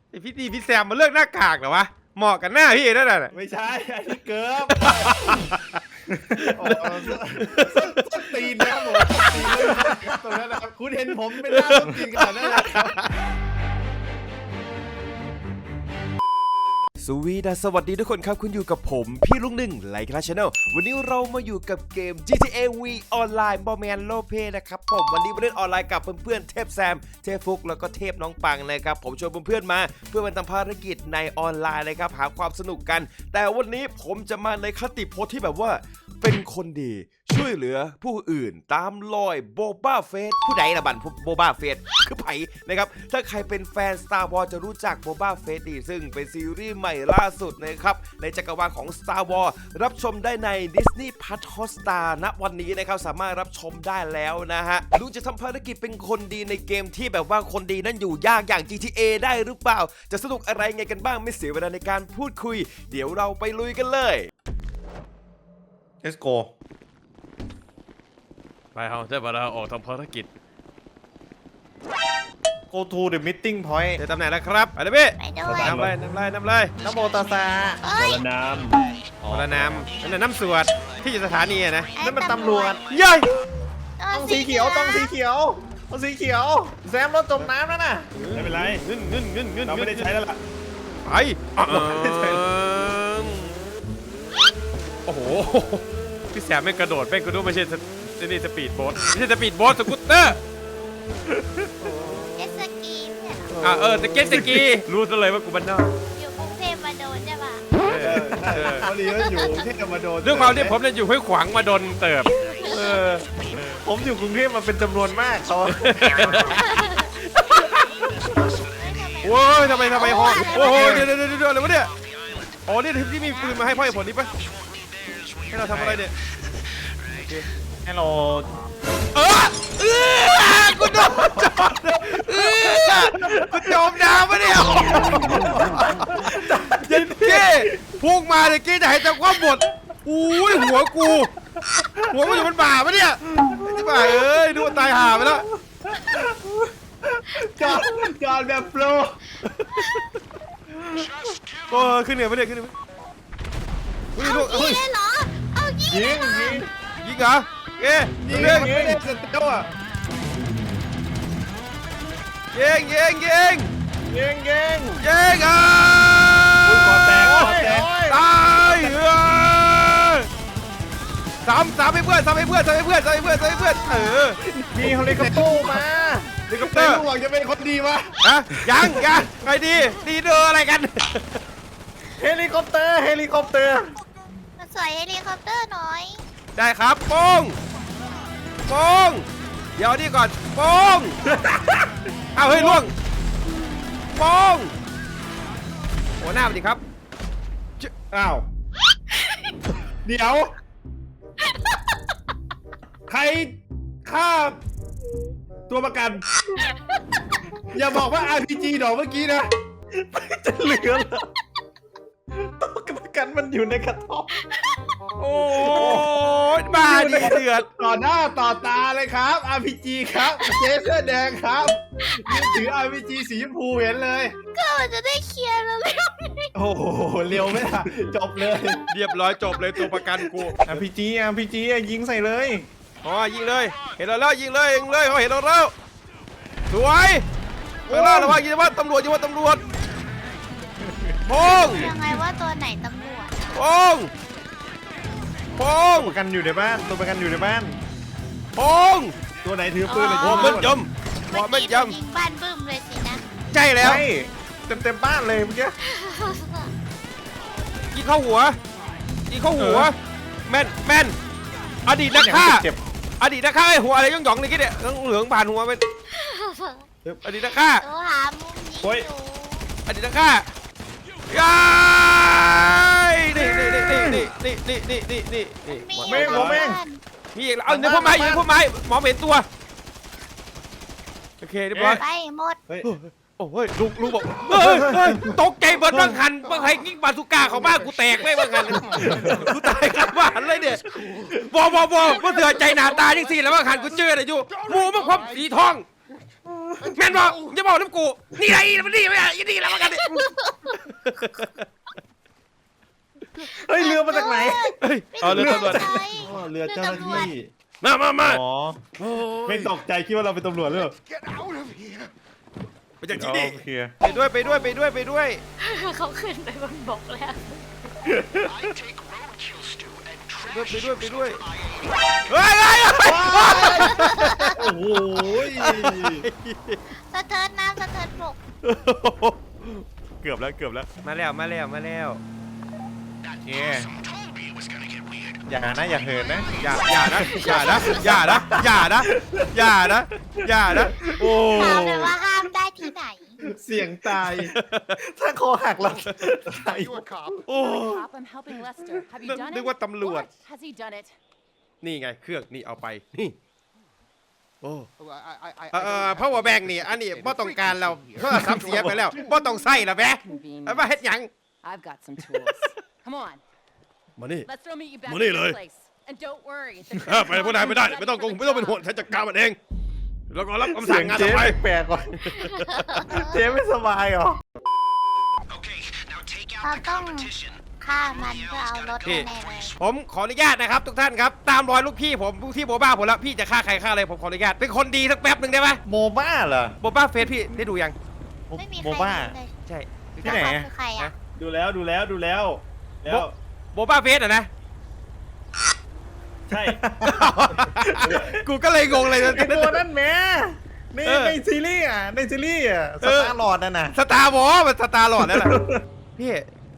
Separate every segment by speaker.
Speaker 1: ไอพี่แซมมาเลือกหน้ากากเหรอวะเหมาะกับหน้าพี่นั่นแหละ
Speaker 2: ไม่ใช่อันนี้เกิร์ฟส้นตีนนะครับผมตีนเลยตรงนั้นนะครับคุณเห็นผมเป็นหน้าส้นตีนขนาดนั้นเลยครับ
Speaker 1: สวัสดีทุกคนครับคุณอยู่กับผมพี่ลุงหนึ่งไลค์คลาชแนลวันนี้เรามาอยู่กับเกม GTA V ออนไลน์บอแมนโลเปนะครับผมวันนี้มาเล่นออนไลน์กับเพื่อนๆเทพแซมเทพฟุกแล้วก็เทพน้องปังนะครับผมชวนเพื่อนๆมาเพื่อมาทำภารกิจในออนไลน์นะครับหาความสนุกกันแต่วันนี้ผมจะมาในคติโพสที่แบบว่าเป็นคนดีช่วยเหลือผู้อื่นตามรอยโบบ้าเฟสผู้ใดละบันโบบ้าเฟสคือไผ่นะครับถ้าใครเป็นแฟน Star Wars จะรู้จักโบบ้าเฟสดีซึ่งเป็นซีรีส์ใหม่ล่าสุดนะครับในจักรวาลของ Star Wars รับชมได้ใน Disney Plus Hotstar ณวันนี้นะครับสามารถรับชมได้แล้วนะฮะลุงจะทำภารกิจเป็นคนดีในเกมที่แบบว่าคนดีนั้นอยู่ยากอย่าง GTA ได้หรือเปล่าจะสนุกอะไรไงกันบ้างไม่เสียเวลาในการพูดคุยเดี๋ยวเราไปลุยกันเลย
Speaker 2: Let's go
Speaker 1: ไปเฮาจะมาออกทำภารกิจ
Speaker 2: Go to the meeting point
Speaker 1: เจอตำแหน่งแล้วครับไปเลยพี่
Speaker 3: ไปด้วย
Speaker 1: น้ำเลย
Speaker 2: นะโมตัสสะ
Speaker 3: เอ้ย
Speaker 1: คนละน้ำนั่นน้ำสวดที่อยู่สถานีอะนะ
Speaker 2: นั่นมันตำรวจ
Speaker 1: เย้ย
Speaker 2: ต้องสีเขียวต้องสีเขียวต้องสีเขียวแซมรถจมน้ำแล้วน่ะ
Speaker 4: ไม่เป็นไรเราไม่ได้ใช้แล้วล่ะ
Speaker 1: ไปโอ้โหพี่แสบไม่กระโดดแม่งกูดูไม่ใช่นี่สปีดโบ๊ทไม่ใช่สปีดโบ๊ทสกูตเตอร์
Speaker 3: เจ็ตสกีเนี่ย
Speaker 1: สกีรู้ซะเลยว่ากูบ้านนอก
Speaker 3: อยู่กรุงเทพมาโดนใช่ปะ
Speaker 2: พอดีว่าอยู่ที่จะมาโดน
Speaker 1: เรื่องความที่ผมเนี่ยอยู่ห้วยขวางมาโดนเติบ
Speaker 2: ผมอยู่กรุงเทพมาเป็นจำนวนมากเขา
Speaker 1: โอ้ยทำไมฮอโอ้โหเดี๋ยวอะไรวะเนี่ยอ๋อนี่ที่มีปืนมาให้พ่อไอ้ผลนี่ปะให้เราทำอะไรเนี่ย
Speaker 2: ให้เรา
Speaker 1: กูโดนจอดกูจมน้ำปะเนี่ยยันเก้พุ่งมาเลยเก้จะให้จับความหมดอุ้ยหัวมันอยู่บนบ่าปะเนี่ยที่บ่าเอ้ยดูตายห่าไปแล้ว
Speaker 2: จอดแบบโปร
Speaker 1: โอ้ขึ้นเหนือปะเนี่ยขึ้นเหนืออุ้ยลูก
Speaker 3: เอายิงเลยเหรอเอายิง
Speaker 2: ยิ
Speaker 3: เลย
Speaker 2: ง
Speaker 3: เหรอ
Speaker 1: ยิงเหรอเก้
Speaker 2: ยิง
Speaker 1: เร่ง
Speaker 2: ยิงเสร็จแล้วอ่ะ
Speaker 1: ยิง
Speaker 2: ยิง
Speaker 1: อ่ะ
Speaker 2: คอแตก
Speaker 1: ตายสามให้เพื่อน
Speaker 2: มีเฮลิคอปเตอร์มา
Speaker 1: เฮลิคอปเตอร์
Speaker 2: ลูกหวังจะเป็นคนดีวะ
Speaker 1: ฮะยังใครดีเดออะไรกัน
Speaker 2: เฮลิคอปเตอร์
Speaker 3: มาสวยเฮลิคอปเตอร์หน่อย
Speaker 1: ได้ครับโป้งเดี๋ยวนี่ก่อนโป้งเอาเฮ้ยล่วงโป้งโอ้หน้าสวัสดีครับ
Speaker 2: อ้าวเดี๋ยวใครฆ่าตัวประกัน อย่าบอกว่า RPG ดอกเมื่อกี้นะจะเหลือเหรอตัวประกันมันอยู่ในกระท่อม
Speaker 1: โอ้ยบ้าดิเดือด
Speaker 2: ต่อหน้าต่อตาเลยครับ RPG ครับเจ๊เสื้อแดงครับยืนถือ RPG สีชมพูเห็นเลย
Speaker 3: ก็มันจะได้เคลียร์แล้วเร็ว
Speaker 2: โอ้โหเร็วไหมล่ะจบเลย
Speaker 1: เรียบร้อยจบเลยตัวประกันกู
Speaker 2: RPG ยิงใส่เลย
Speaker 1: อ๋อยิงเลยเห็นเราแล้วยิงเลยเขาเห็นเราแล้วสวยข้างหน้าระวังยิงว่าตำรวจโป้ง
Speaker 3: ยังไงว่าตัวไหนตำรวจ
Speaker 1: โป้ง
Speaker 2: ตัวประกันอยู่ในบ้านตัวประกันอยู่ในบ้าน
Speaker 1: โป้ง
Speaker 2: ตัวไหนถือปืนเลย
Speaker 1: โอ้มันยม
Speaker 3: เมื่อ
Speaker 1: มัน
Speaker 3: กี้
Speaker 1: ย
Speaker 3: ผมยิงบ้านบึ้มเลยสินะ
Speaker 1: ำใช่แล้ว
Speaker 2: ใช่เต็มบ้านเลยเมื่อกี้
Speaker 1: ยิงเข้าหัวแม่นอดีตนักฆ่า
Speaker 2: เจ็บ
Speaker 1: ไอ้หัวอะไรย่องๆเลยกี้เนี่ยเหลืองผ่านหัวเป็นอดีตนักฆ่า
Speaker 3: ตัวหามุมยิงอยู่
Speaker 1: อดีตนักฆ่าย้ายนี่
Speaker 2: ผมเอง
Speaker 1: มีอีกเอาเดี๋ยวพ่อไม้หมอเห็นตัวโอเคเรียบร้อย
Speaker 3: ไปหมด
Speaker 1: โอ้ยลุงบอกเฮ้ยตกใจเบิร์ดบางคันบางใครกิ๊กบาสุก้าเขาบ้านกูแตกไม่บางคันกูตายกันบ้านเลยเนี่ยบอเถื่อใจหนาตาจังสี่แล้วบางคันกูเจอเลยอยู่หมูมันความสีทองแม่นบอกจะบอกน้ำกูนี่ไรมันนี่ไม่ได้ยี่นี่แล้วบางคัน
Speaker 2: เฮ้ยเรือมาจากไหน
Speaker 1: เฮ้ยเอาเรือตำรวจ
Speaker 3: ใช่
Speaker 2: อ๋อเรือเจ้าหน้าที่
Speaker 1: มา
Speaker 2: อ๋อ
Speaker 1: โอ้ย
Speaker 2: ไม่ตกใจคิดว่าเราเป็นตำรวจหรือเปล่า
Speaker 1: ไปจากที่นี่
Speaker 2: โอเค
Speaker 1: ไปด้วยไปด้วยไปด้วยไปด้วย
Speaker 3: เขาขึ้นไปบนบกแล้ว
Speaker 1: ไปด้วยไปด้วยเฮ้ย
Speaker 2: โอ้โห
Speaker 3: สะเทินน้ำสะเทินบก
Speaker 1: เกือบแล้วมาแล้ว
Speaker 2: เย่อย่านะอย่าเหินนะ
Speaker 1: อย่านะโอ้
Speaker 3: ถามเลยว่าห้ามได้ที่ไหน
Speaker 2: เสียงตาย ถ้าคอหักเราตาย
Speaker 1: โอ้
Speaker 5: Cop, I'm helping Lester. Have you done
Speaker 1: นึก
Speaker 5: it?
Speaker 1: ว่าตำรวจ
Speaker 5: What? Has he done it?
Speaker 1: นี่ไงเครื่องนี่เอาไปนี่โอ้
Speaker 6: I
Speaker 1: power bank นี่อันนี้บ่ต้องการเราโทรศัพท์เสียไปแล้วบ่ต้องใส่ละแม่เอามาเฮ็ดหยัง
Speaker 5: I've got some tools. Come on.
Speaker 1: มานี่
Speaker 5: Lester will meet you back
Speaker 1: Money
Speaker 5: at your
Speaker 1: เลย
Speaker 5: place. And don't worry. The
Speaker 1: ไปพวกนายไม่ได้ไม่ต้องเป็นห่วงฉันจัดการมันเองแล้วก็รับคำ
Speaker 2: เสี
Speaker 1: สั่
Speaker 2: ย
Speaker 1: ง
Speaker 2: ง
Speaker 1: งาน
Speaker 2: เจ๊
Speaker 1: ต่อไป
Speaker 2: แปลกๆก่อนเจ๊ไม่สบายเหรอ
Speaker 3: เราต้องฆ่ามันเพื่อเอารถ
Speaker 1: พี่
Speaker 3: แน่เลย
Speaker 1: ผมขออนุญาตนะครับทุกท่านครับตามรอยลูกพี่ผมลูกพี่โบบ้าผมแล้วพี่จะฆ่าใครฆ่าอะไรผมขออนุญาตเป็นคนดีสักแป๊บหนึ่งได้ไหม
Speaker 2: โมบ้าเหรอ
Speaker 1: โบบ้าเฟสพี่ได้ดูยัง
Speaker 3: ไม่มีใค
Speaker 2: โม
Speaker 3: ร
Speaker 2: บ้า
Speaker 3: รู้เลย
Speaker 1: ใช่
Speaker 2: ที่ไหน
Speaker 3: แล้วเขาคือใครอ่ะ
Speaker 2: ดูแล้วแล้ว
Speaker 1: โบบ้าเฟสอ่ะนะ
Speaker 2: ใช่
Speaker 1: กูก็เลยงงเลย
Speaker 2: ไอ้ตัวนั่นแหม่ใน
Speaker 1: เออ
Speaker 2: ในซีรีส์อ่ะในซีรีส์อ่ะส
Speaker 1: เออ
Speaker 2: ตาร์ลอร์ดนั่นน่ะ
Speaker 1: สตาร์วอลมันสตาร์หลอดแล้วล่ะพี่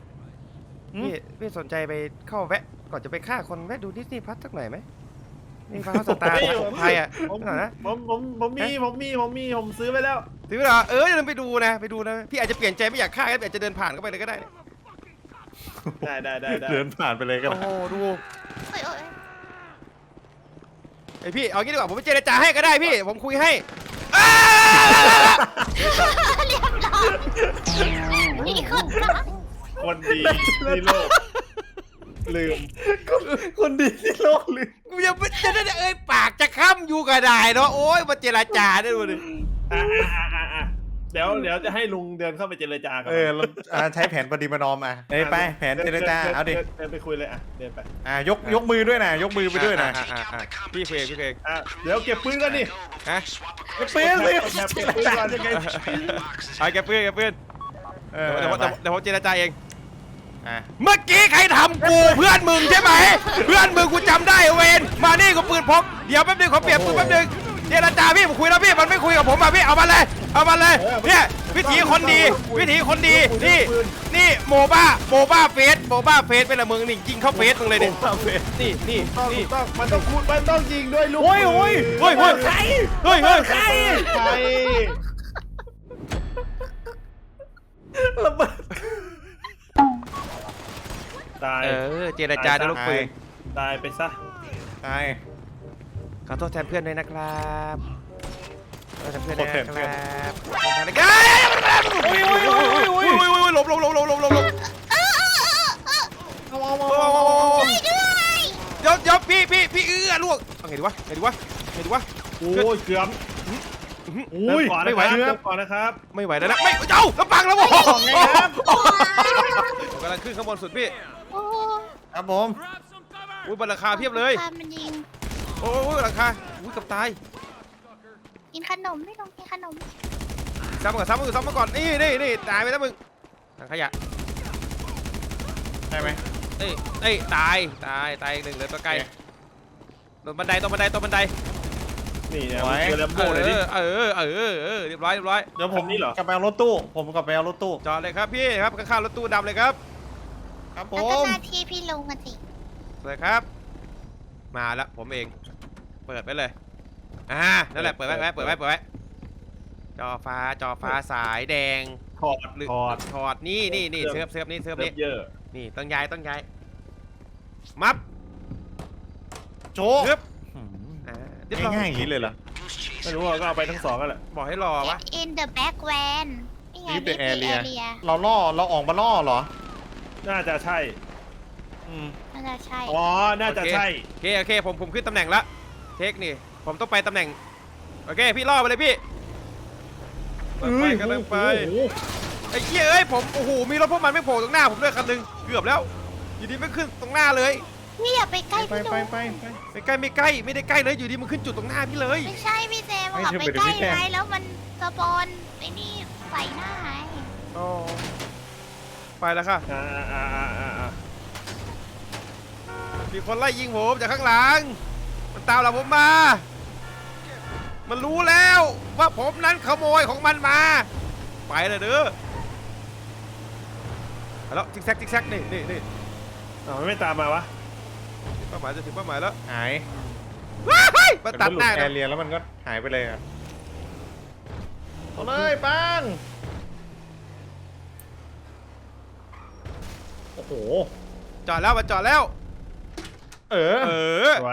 Speaker 1: สนใจไปเข้าแวะก่อนจะไปฆ่าคนแวะดูดิสนีย์พลัสสักหน่อยไหมนี่พลัสสตาร์ของไทยอ่ะ
Speaker 2: ผม
Speaker 1: หน่อยนะ
Speaker 2: ผมซื้อไปแล้ว
Speaker 1: ถือเหรออย่าลืมไปดูนะพี่อาจจะเปลี่ยนใจไม่อยากฆ่าก็อาจจะเดินผ่านเข้าไปเลยก็ได้นะ
Speaker 2: ได้เดินผ่านไปเลยก็
Speaker 1: โอ้โหดู
Speaker 3: โอ้ย
Speaker 1: ไอพี่เอางี้ดีกว่าผมไปเจรจาให้ก็ได้พี่ผมคุยให้
Speaker 3: เรียบร้อยมีคนรัก
Speaker 2: คนดีที่โลกลืมคนดีที่โลกลืม
Speaker 1: กูยังไม่จะได้เอ่ยปากจะค้ำอยู่ก็ได้เนาะโอ้ยมาเจรจาได้ดูดิ
Speaker 2: เดี๋ยวจะให้ลุงเดินเข้าไปเจรจากันใช้แผนปฏิบัตินอมไปแผนเจรจาเอาดิเดินไปคุยเลยเดินไปยกมือด้วยนะยกมือไปด้วยนะ
Speaker 1: พี่เพลง
Speaker 2: เดี๋ยวเก็บปืนกันดิ
Speaker 1: ฮะ
Speaker 2: เก็บปืนสิเจรจายังไง
Speaker 1: เอาแกปืนเดี๋ยวผมเจรจาเอง
Speaker 2: อ่ะ
Speaker 1: เมื่อกี้ใครทำกูเพื่อนมึงใช่ไหมเพื่อนมึงกูจำได้เวนมานี่กูปืนพกเดี๋ยวแป๊บนึงขอเปลี่ยนปืนแป๊บนึงเจรจาพี่ผมคุยแล้วพี่มันไม่คุยกับผมอ่ะพี่เอามาเลยเนี่ยวิถีคนดีนี่โมบ้าเฟสเป็นละมึงนี่ยิงเข้าเฟสมึงเลยเนี่ยนี่
Speaker 2: มันต้องยิงด้วยลูก
Speaker 1: เฮ้ยใคร
Speaker 2: ระเบิดตาย
Speaker 1: เจรจาด้วยลูกปืน
Speaker 2: ตายไปซะตาย
Speaker 1: ขอโทษแทนเพื่อนด้วยนะครับขอโทษแทนเพื่อนด้วยนะครับหลบเดี๋ยวพี่ลูกไงดีวะ
Speaker 2: โอ้ยเกือบไม่ไหวก่อนนะครับ
Speaker 1: ไม่ไหวแล้วนะไม่เจ้ากระปังแล้วโว้
Speaker 2: ไงครับ
Speaker 1: กำลังขึ้นข้างบนสุดพี่
Speaker 3: โอ้
Speaker 2: ครับผม
Speaker 1: อุ้ยบนราคาเพียบเลย
Speaker 3: พามันยิง
Speaker 1: โอ้ยราคาอุ้ยกับตาย
Speaker 3: กินขนมไม่ลงกินขนม
Speaker 1: ซ้ำมาก่อนนี่ตายไปแล้วมึงถังขยะ
Speaker 2: ได้ไหม
Speaker 1: ตายอีกหนึ่งเลยตัวไกลตรงบันได
Speaker 2: นี่เนี่ยเจอแลมโบ้เลยดิ
Speaker 1: เรียบร้อย
Speaker 2: เดี๋ยวผมนี่เหรอกลับไปเอารถตู้
Speaker 1: จอดเลยครับพี่ครับข้างๆรถตู้ดำเลยครับ
Speaker 2: ครับผ
Speaker 3: แล้วก็
Speaker 2: ม
Speaker 3: หน้าที่พี่ลุงกันสิ
Speaker 1: เลยครับ มาแล้วผมเองเปิดไปเลยนั่นแหละเปิดไว้จอฟ้าสายแดง
Speaker 2: ถอด
Speaker 1: นี่เซิร์ฟนี่
Speaker 2: เยอะ
Speaker 1: นี่ต้องย้ายมับ
Speaker 2: โจ๊ก
Speaker 1: เรียบร้อย
Speaker 2: ง่ายๆอย่างนี้เลยเหรอไม่รู้ก็เอาไปทั้งสองกันแหละ
Speaker 1: บอกให้รอวะ
Speaker 3: Get in the back van นี่ไง
Speaker 2: Leave the
Speaker 3: Leave the
Speaker 2: area
Speaker 3: area
Speaker 2: เราออกมาล่อเหรอน่าจะใช่
Speaker 3: น่าจะใช่
Speaker 2: น่าจะใช่
Speaker 1: โอเคผมขึ้นตำแหน่งละเทคนี่ผมต้องไปตำแหน่งโอเคพี่ล่อไปเลยพี่ไปไอ้เหี้ยเอ้ยผมโอ้โหมีรถพวกมันไม่โผล่ตรงหน้าผมด้วยคันหนึงเกือบแล้วอยู่ดีไม่ขึ้นตรงหน้าเลย
Speaker 3: พี่อย่าไปใกล้
Speaker 4: ไป
Speaker 3: พี่
Speaker 4: ไป
Speaker 3: นุ๊ก
Speaker 4: ไป
Speaker 1: ไม่ใกล้ไม่ได้ใกล้เลยอยู่ดีมันขึ้นจุดตรงหน้าพี่เลย
Speaker 3: ไม่ใช่พี่แซมอะไปใกล้ไงแล้วมันสปอนไอ้นี่ใส่หน้าไง
Speaker 1: อ๋อไปแล้วค่ะ มีคนไล่ยิงผมจากข้างหลังมันตามหลังผมมา มันรู้แล้วว่าผมนั้นขโมยของมันมาไปเลยเด้อเอาแล้วจิ๊กแซกนี่
Speaker 4: อ้าวมันไม่ตามมาวะ
Speaker 1: เป้าหมายจะถึงเป้าหมายแล้ว
Speaker 4: หาย
Speaker 1: ว้ายมาตัดหน้า
Speaker 4: แอ
Speaker 1: นะ
Speaker 4: ร์เรียแล้วมันก็หายไปเลยอะเอาเลยปังโอ้โห
Speaker 1: จอดแล้วมันจอดแล้ว
Speaker 4: เออ
Speaker 1: เออ
Speaker 4: สวย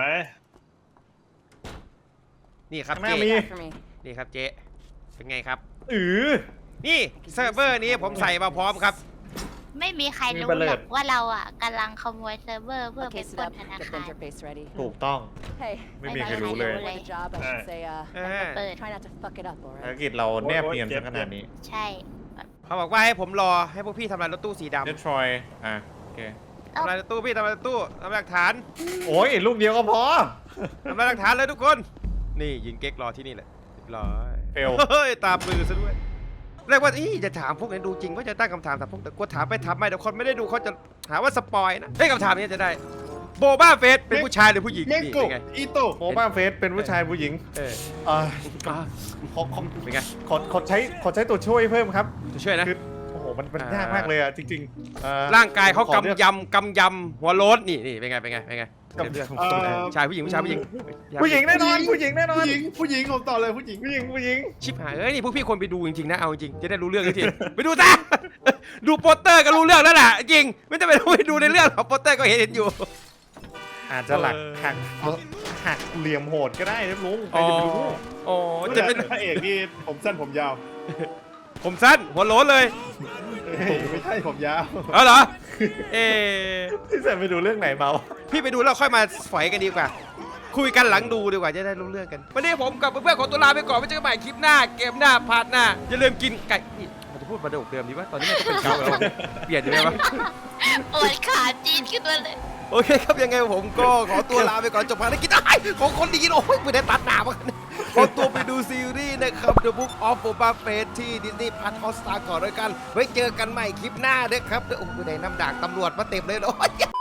Speaker 1: นี่ครับ
Speaker 4: ข้างหน้า
Speaker 1: เจ๊
Speaker 4: มี
Speaker 5: For me.
Speaker 1: นี่ครับเจ๊เป็นไงครับ
Speaker 4: นี่
Speaker 1: เซิร์ฟเวอร์นี้ผมใส่มาพร้อมครับ
Speaker 3: ไม่มีใครรู้หรอกว่าเราอ่ะกำลังขโมยเซิร์ฟเวอร์เพื่อไป
Speaker 5: Okay,
Speaker 3: ป
Speaker 5: sit
Speaker 3: ล้น
Speaker 5: up.
Speaker 3: ธนา
Speaker 5: Get the
Speaker 3: คาร
Speaker 5: interface ready.
Speaker 4: ถูกต้อง
Speaker 5: Hey,
Speaker 4: ไม่มีใครรู้เลย
Speaker 5: for the job, I should say,
Speaker 1: เออ
Speaker 3: เปิด
Speaker 5: try not to fuck it up,
Speaker 4: ภาร
Speaker 5: alright?
Speaker 4: กิจเราแนบเนียนซะขนาดนี้
Speaker 3: ใช่
Speaker 1: เขาบอกว่าให้ผมรอให้พวกพี่ทำลายรถตู้สีดำ
Speaker 4: เดทรอยอ่ะโอเค
Speaker 1: ทำลายรถตู้พี่ทำลายรถตู้ทำลายหลักฐาน
Speaker 4: โอ้ยลูกเดียวก็พอ
Speaker 1: ทำลายหลักฐานเลยทุกคน นี่ยิงเก๊กรอที่นี่แหละเรียบร้อย
Speaker 4: เฟล
Speaker 1: เฮ้ยตาปลือซะด้วยเรียกว่าอีจะถามพวกนี้ดูจริงว่าจะตั้งคำถามแต่พวกแต่กลัวถามไปถามไม่เดี๋ยวคนไม่ได้ดูเขาจะหาว่าสปอยนะเฮ้ยคำถามนี้จะได้โบบ้าเฟสเป็นผู้ชายหรือผู้หญิง
Speaker 2: เม
Speaker 1: นี่
Speaker 2: โก
Speaker 1: เป็นไง
Speaker 2: อีโต
Speaker 4: โมบ้าเฟสเป็นผู้ชายผู้หญิง
Speaker 1: เออ
Speaker 4: อ่าขอ
Speaker 1: เป็นไง
Speaker 4: ขอใช้ตัวช่วยเพิ่มครับ
Speaker 1: จะช่วยนะ
Speaker 4: คือโอ้โหมันยากมากเลยอ่ะจริงๆ
Speaker 1: ร่างกายเขา
Speaker 4: ขอลือก
Speaker 1: กำยำหัวโล้นนี่เป็นไงเลือกชายผู้หญิงผู้ชายผู้หญิง
Speaker 4: ผู้หญิงแน่นอนผู้หญิงแน่นอน
Speaker 2: ผู้หญิงผมต่อเลยผู้หญิง
Speaker 4: ผู้หญิง
Speaker 1: ชิบหายเอ้ยนี่พวกพี่ควรไปดูจริงๆนะเอาจริงจะได้รู้เรื่องจริงๆไปดูซะ ดูโปสเตอร์ก็รู้เรื่องแล้วล่ะจริงไม่ต้องไปดูในเรื่องหรอกโปสเตอร์ก็เห็นอยู่
Speaker 4: อาจจะหักเหลี่ยมโหดก็ได้นะลุงใครจะไปรู้
Speaker 1: อ๋อ
Speaker 2: จะ
Speaker 1: จะ
Speaker 2: เป็
Speaker 1: เป็น น
Speaker 2: พระเอกนี่ผมสั้นผมยาว
Speaker 1: ผมสั้นหัวโล้นเลย
Speaker 2: ไม่ใช่ผมยาว
Speaker 1: เอาเหรอเอ
Speaker 4: ที่จะไปดูเรื่องไหนเมา
Speaker 1: พี่ไปดูแล้วค่อยมาฝอยกันดีกว่า คุยกันหลังดูดีกว่าจะได้รู้เรื่องกันวันนี้ผมกับเพื่อนๆของตัวลาไปก่อนไว้เจอกันใหม่คลิปหน้าเกมหน้าพาร์ทหน้าอย่าลืมกินไก่นี่มันจะพูดประโยคเดิมดีวะตอนนี้มันก็เป็นเก่าแล้วเปลี่ยนอยู่ไหมวะ
Speaker 3: ปวดขาจีนขึ้นมาเลย
Speaker 1: โอเคครับยังไงผมก็ขอตัวลาไปก่อนจบภารกิจได้ของคนดีโอ้ยไม่ได้ตัดหนามาขอตัวไปดูซีรีส์นะครับ The Book of Boba Fett ที่ Disney Plus Hotstar ก่อนด้วยกันไว้เจอกันใหม่คลิปหน้าเด้อครับโอ้ยได้น้ำด่างตำรวจมาเต็มเลยโอ้ย